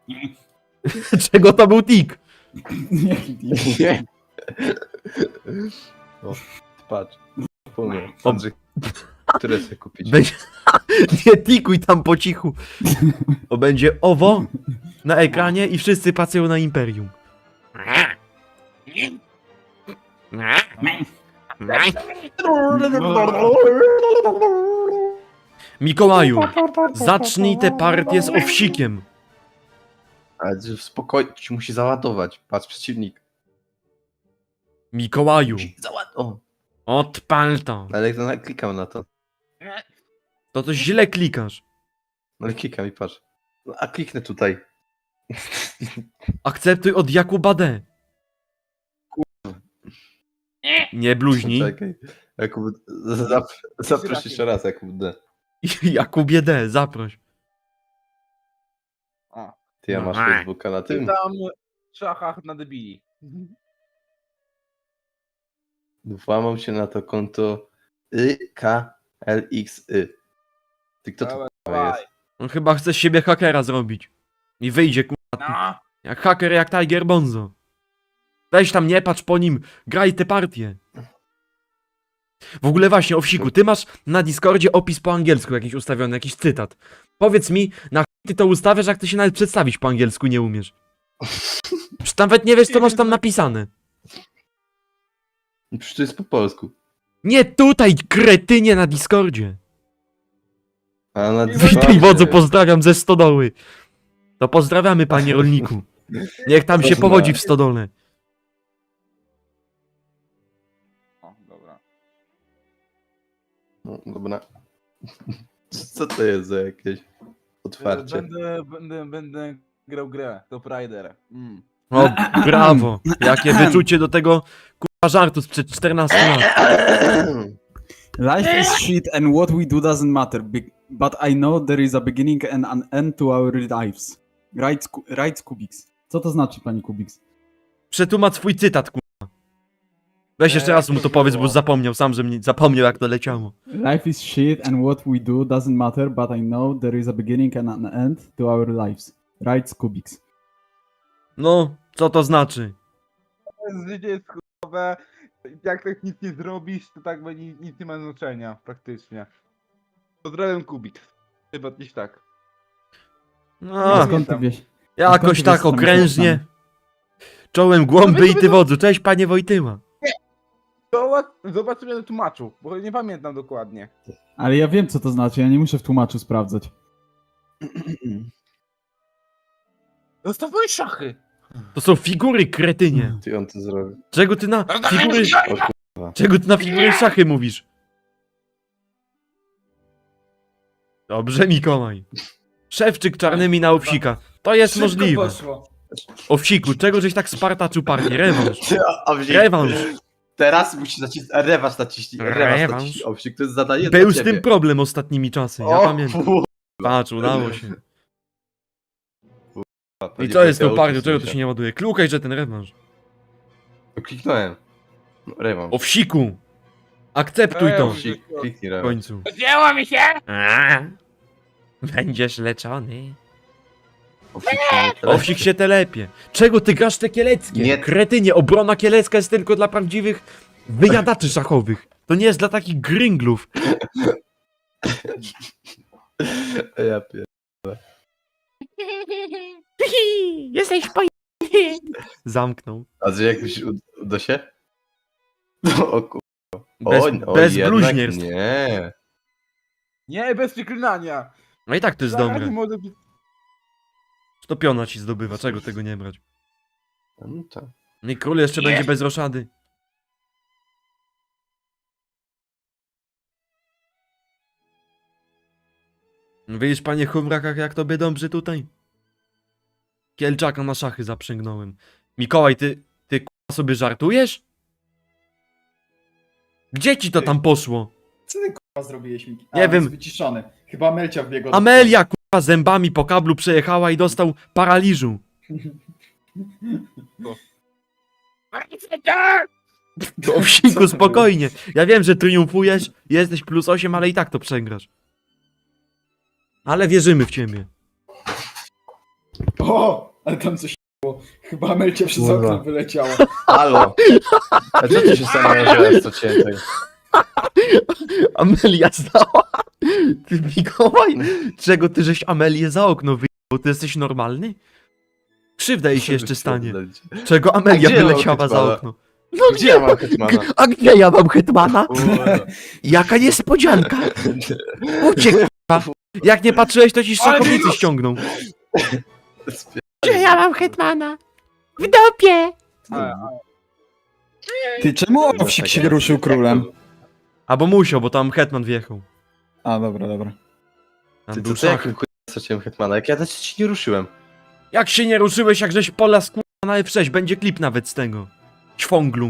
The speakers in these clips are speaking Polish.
Czego to był tik? Nie. O, patrz. Wspomnę. Andrzej, które chcę kupić? Będzie... Nie tikuj tam po cichu. Bo będzie owo na ekranie i wszyscy pracują na Imperium. Mikołaju, zacznij tę partię z owsikiem. Ale spokojnie, ci musi załadować. Patrz, przeciwnik. Mikołaju, O, odpal to. ale jak klikam na to. To źle klikasz. No ale klikam i patrz. No, a kliknę tutaj. Akceptuj od Jakuba D. Nie bluźnij. Czekaj. Jakub, zaproś jeszcze raz, Jakub D. Jakubie D, zaproś. O. Ty ja masz Facebooka na tym? Tam w szachach na debili. Włamał się na to konto KLXY. Ty kto to Dawaj. jest? On chyba chce z siebie hakera zrobić. I wyjdzie kurwa. No. Jak haker, jak Tiger Bonzo. Weź tam, nie patrz po nim, graj te partie. W ogóle właśnie, Owsiku, ty masz na Discordzie opis po angielsku jakiś ustawiony, jakiś cytat. Powiedz mi, na chuj ty to ustawiasz, jak ty się nawet przedstawić po angielsku nie umiesz. Przecież nawet nie wiesz, co masz tam napisane. Przecież to jest po polsku. Nie tutaj, kretynie, na Discordzie. A na Witaj wodzu, pozdrawiam ze stodoły. To pozdrawiamy, panie rolniku. Niech tam się powodzi w stodole. O, dobra. No, dobra. Co to jest za jakieś otwarcie? Będę grał grę, Top Rider. O, brawo. Jakie wyczucie do tego kurwa żartu sprzed 14 lat. Life is shit and what we do doesn't matter, but I know there is a beginning and an end to our lives. Right, Kubiks. Co to znaczy, pani Kubiks? Przetłumacz swój cytat, kurwa. Weź jeszcze raz mu to powiedz, bo już zapomniał sam, że mnie zapomniał, jak to leciało. Life is shit and what we do doesn't matter, but I know there is a beginning and an end to our lives. Right, Kubiks. No, co to znaczy? Życie jest chujowe. Jak tak nic nie zrobisz, to tak będzie nic nie ma znaczenia, praktycznie. Pozdrawiam Kubik. Chyba gdzieś tak. No, Skąd ty wiesz? jakoś skąd ty tak wiesz, co tam okrężnie. jest Czołem głąby i ty wodzu. Cześć, panie Wojtyła. Zobaczymy na tłumaczu, bo nie pamiętam dokładnie. Ale ja wiem, co to znaczy, ja nie muszę w tłumaczu sprawdzać. Zostawmy szachy! To są figury, kretynie. Ty on to zrobił. Czego ty na figury... O Czego ty na figury szachy mówisz? Dobrze, Mikołaj. Szewczyk czarnymi na Owsika. To jest możliwe. Owsiku, czego żeś tak spartaczył partię? Rewanż. Rewanż. Teraz musisz nacisnąć. Rewanż naciśnij. Rewanż Rewanż. naciśnij. Owsik, to jest zadanie Był dla z ciebie. tym problem ostatnimi czasy, ja O, pamiętam. kurwa, Patrz, udało się. to I nie co jest z tą powiedział, partią? Czego to się. się nie ładuje? Klukaj, że ten rewanż. No, kliknąłem. No, rewanż. Owsiku! Akceptuj to Owsik, kliknij w rewanż. końcu. Zdjęło mi się! Będziesz leczony. Owsik się nie telepie. Owsik się telepie. Czego ty grasz te kieleckie? Nie. Kretynie, obrona kielecka jest tylko dla prawdziwych wyjadaczy szachowych. To nie jest dla takich gringlów. Ja pier... Jesteś po... Zamknął. A że jakbyś uda się? No, o kurwa. Bez jednak bluźnierstw. Nie. Nie, bez przeklinania! No i tak to jest Zaraz dobre. może być- To piona ci zdobywa, czego tego nie brać? No tak. No i król jeszcze będzie bez roszady. Widzisz, panie Humrakach, jak tobie dobrze tutaj? Kielczaka na szachy zaprzęgnąłem. Mikołaj, ty k***a sobie żartujesz? Gdzie ci to tam poszło? Co ty kurwa zrobiłeś mi? Nie wiem. Jest wyciszony. Chyba Melcia wbiegła. Amelia k***a zębami po kablu przejechała i dostał paraliżu. To Owsiku, spokojnie. Ja wiem, że triumfujesz, jesteś +8, ale i tak to przegrasz. Ale wierzymy w ciebie. O, ale tam coś było. Chyba Amelcia przez Kurwa. okno wyleciała. Halo! A co ty się zastanawiasz, co cię tutaj? Amelia znała. Ty Mikołaj, czego ty żeś Amelię za okno wyjechał? Ty jesteś normalny? Krzywda jej się jeszcze stanie. Czego Amelia gdzie ja mam wyleciała za Hetmana? okno? Gdzie ja mam Hetmana? A gdzie ja mam Hetmana? Kurwa. Jaka niespodzianka! Uciekł, k***a. Jak nie patrzyłeś, to ci szachownicy ściągną. Gdzie ja mam Hetmana? W dupie! Ty, czemu Owsik się ruszył królem? A bo musiał, bo tam Hetman wjechał. A, dobra, dobra. Tam Ty był to co, szach. jakim straciłem Hetmana? Jak ja też ci nie ruszyłem. Jak się nie ruszyłeś, jak żeś pola na F6, będzie klip nawet z tego. Ćwąglu.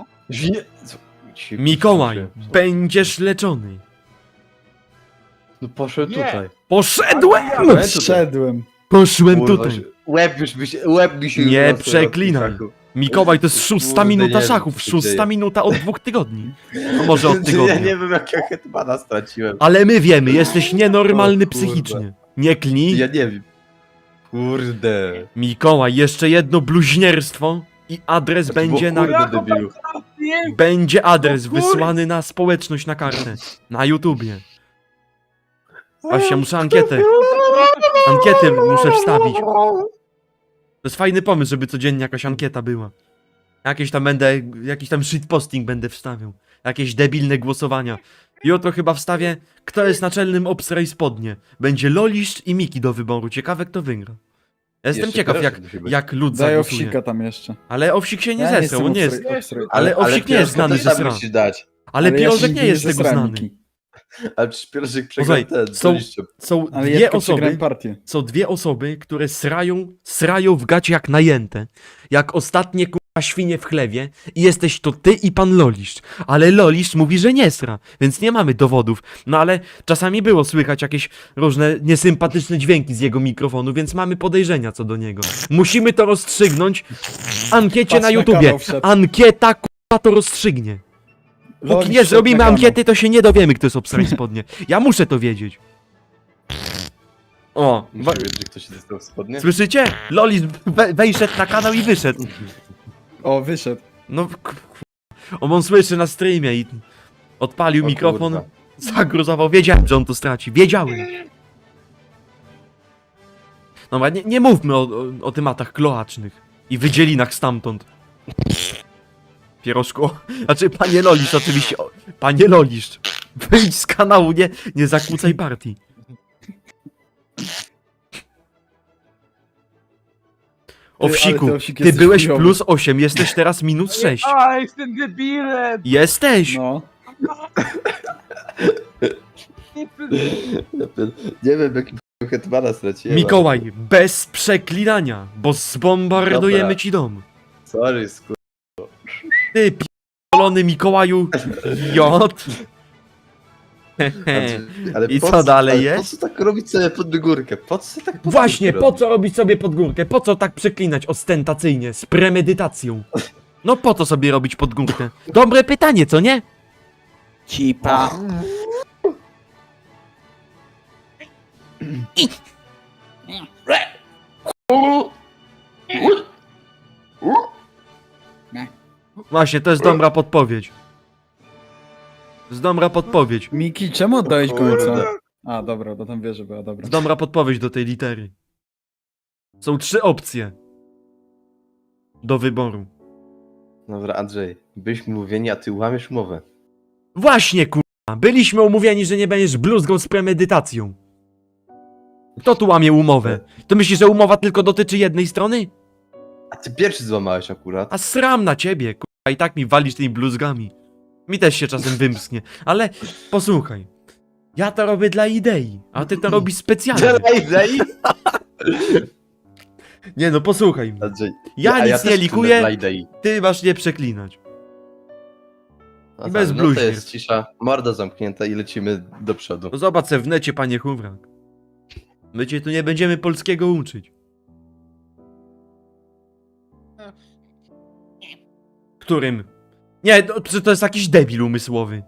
Mikołaj, będziesz leczony. No poszedł Nie. tutaj. Poszedłem! Tutaj. Wszedłem. Poszłem Kurwa, tutaj. łeb mi się Nie urosł na przeklinaj. tym szachu. Mikołaj, to jest szósta Kurde, minuta nie wiem, szachów, co się szósta dzieje. minuta od 2 tygodni. No może od Ja tygodnia. nie wiem, jak ja Hetmana straciłem. Ale my wiemy, jesteś nienormalny O kurde. psychicznie. Nie klnij. Ja nie wiem. Kurde. Mikołaj, jeszcze jedno bluźnierstwo i adres będzie na... Kurde, debilu. Będzie adres O kurde. wysłany na społeczność na kartę. Na YouTubie. Właśnie, muszę ankietę. Ankietę muszę wstawić. To jest fajny pomysł, żeby codziennie jakaś ankieta była. Jakiś tam shitposting będę wstawiał. Jakieś debilne głosowania. Jutro chyba wstawię, kto jest naczelnym obstraj spodnie. Będzie Lolisz i Miki do wyboru. Ciekawe, kto wygra. Ja jestem Jeszcze ciekaw, proszę, musi być. jak lud Daj zagłosuje. Owsika tam jeszcze. Ale Owsik się nie Ja zesrał, jestem on nie jest... obstry- Ale Owsik nie jest Pierożka znany, też że tam sra. musisz dać. Ale ja się Pierożek nigdy nie jest z tego zesrałem, znany. Miki. Ale przecież Pierożek Słuchaj, przegrał ten, są- co liście. Są Ale ja dwie tylko przegrałem osoby, partię. są dwie osoby, które srają w gacie jak najęte. Jak ostatnie kurwa świnie w chlewie i jesteś to ty i pan Lolisz. Ale Lolisz mówi, że nie sra, więc nie mamy dowodów. No ale czasami było słychać jakieś różne niesympatyczne dźwięki z jego mikrofonu, więc mamy podejrzenia co do niego. Musimy to rozstrzygnąć w ankiecie Patrz na na YouTubie. kanał wszedł. Ankieta kurwa to rozstrzygnie. Póki Lolisz nie wszedł zrobimy na kanał. ankiety, to się nie dowiemy, kto jest obstraj spodnie. Ja muszę to wiedzieć. O, Muszę wiedzieć, że ktoś się dostał w spodnie. słyszycie? Loli wejszedł na kanał i wyszedł. O, wyszedł. No, on słyszy na streamie i odpalił O mikrofon, kurwa. zagruzował. Wiedziałem, że on to straci. Wiedziałem. Dobra, nie mówmy o tematach kloacznych i wydzielinach stamtąd. Pierożku. Znaczy, panie Lolisz, oczywiście. Panie Lolisz. Wyjdź z kanału, nie zakłócaj partii. Owsiku, ale ty, Owsik, ty jesteś byłeś chujowy. plus 8, jesteś teraz minus 6. A, jestem debilem! Jesteś! No. Nie wiem, jakim Hetmana straciłem. Mikołaj, bez przeklinania, bo zbombardujemy Dobra. ci dom. Sorry, skur... Ty p***olony Mikołaju J. Ale I po co dalej ale jest? Po co tak robić sobie pod górkę? Po co tak pod Właśnie, górkę po co robić sobie pod górkę? Po co tak przeklinać ostentacyjnie, z premedytacją? No po co sobie robić pod górkę? Dobre pytanie, co nie? Cipa. Właśnie, to jest dobra podpowiedź. To jest dobra podpowiedź. Miki, czemu oddałeś Kurde. końca? A, dobra, bo tam wie, że była dobra. Dobra podpowiedź do tej litery. Są 3 opcje do wyboru. Dobra, Andrzej, byliśmy mówieni, a ty łamiesz umowę. Właśnie, kurwa, byliśmy umówieni, że nie będziesz bluzgą z premedytacją. Kto tu łamie umowę? To myślisz, że umowa tylko dotyczy jednej strony? A ty pierwszy złamałeś akurat. A sram na ciebie, kurwa, i tak mi walisz tymi bluzgami. Mi też się czasem wymsknie, ale posłuchaj. Ja to robię dla idei, a ty to robisz specjalnie. Andrzej, Nie no, posłuchaj. Andrzej. Ja a nic też nie chcę likuję, Dla idei. ty masz nie przeklinać. No bez tak, no bluźnierstw. to jest cisza, morda zamknięta i lecimy do przodu. No zobacz se w necie, panie Hubrak. My cię tu nie będziemy polskiego uczyć. Którym? Nie, to jest jakiś debil umysłowy.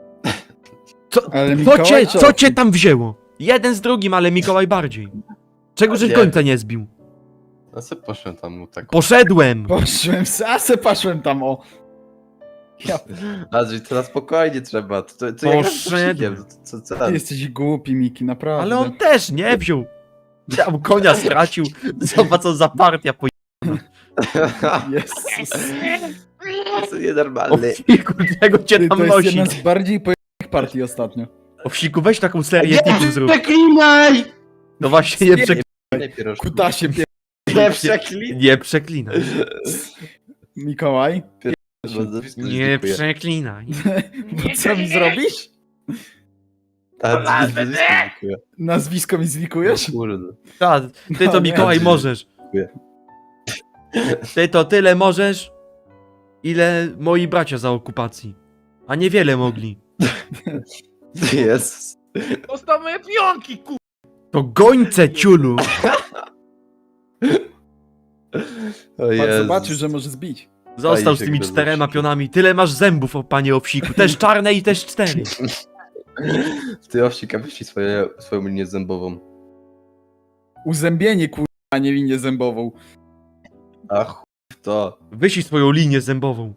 Ale Co Mikołaj cię, czy co Owsik? cię tam wzięło? Jeden z drugim, ale Mikołaj bardziej. Czego żeś Nie. końca nie zbił? Ja sobie poszłem tam mu tak. Poszedłem! Poszłem tam, o. Ja, Andrzej, to na spokojnie trzeba. To jak Poszedłem. z łucznikiem, co ty jesteś głupi, Miki, naprawdę. Ale on też nie wziął. Tam konia stracił. Zobacz co za partia po... Jezus. To jest O nienormalny. wsiku, czego cię Ty, tam to jest nosi? jedna z bardziej pojechanych partii ostatnio. O wsiku, weź taką serię tipów zrób. Przeklinaj! No właśnie, nie Nie pierożku. Kutasie, Nie przeklinaj! Nie przeklinaj. Mikołaj. Bo nazwisko Nie dziękuję. przeklinaj. Bo co mi zrobisz? A, nazwisko dziękuję. Nazwisko mi zlikujesz? O kurde. Ta, ty No to nie. Mikołaj możesz. Dziękuję. Ty to tyle możesz, ile moi bracia za okupacji. A niewiele mogli. Jezus. Zostaw moje pionki, ku... To gońce, ciulu. O Pan Jezus. zobaczył, że może zbić. Został z się tymi gryzł 4 owsiki. pionami. Tyle masz zębów, o panie owsiku. Też czarne i też 4. Ty owsika wyścig swoją linię zębową. Uzębienie, kurwa, a nie linię zębową. A chuj w to. Wyślij swoją linię zębową.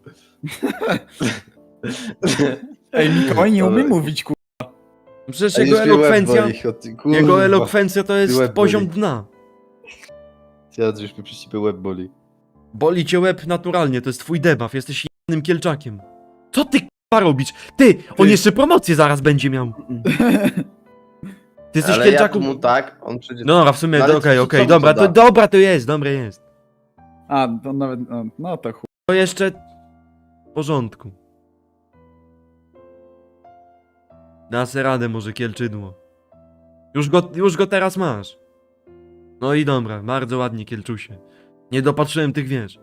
Ej, Mikołaj nie umie Ale- mówić, kurwa. Przecież A jego już mnie łeb elokwencja, boli, kurwa. jego elokwencja to Ty jest łeb poziom boli. dna. Ja już mnie przez ciebie łeb boli. Boli cię łeb naturalnie, to jest twój debuff, jesteś jednym kielczakiem. Co ty k***a robisz? Ty, on jeszcze promocję zaraz będzie miał. Ty jesteś Ale ja kielczaku... tu mu tak, on przyjdzie... No dobra, w sumie, No ale okej, co- okej, co mu dobra, to da? dobra, to jest, dobre jest. A, to nawet, no to chuj. To jeszcze... w porządku. Da se radę może kielczydło. Już go teraz masz. No i dobra, bardzo ładnie kielczusie. Nie dopatrzyłem tych wież.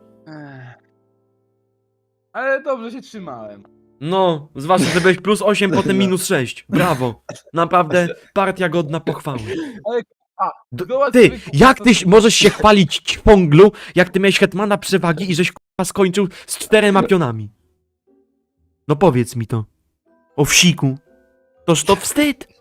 Ale dobrze się trzymałem. No, zwłaszcza, że byłeś plus 8, potem minus 6. Brawo. Naprawdę partia godna pochwały. Ale... A, zobacz Ty, sobie, kurwa, jak to- ty możesz się chwalić ćwąglu, jak ty miałeś hetmana przewagi i żeś k***a skończył z 4 pionami? No powiedz mi to. O wsiku. Toż to wstyd.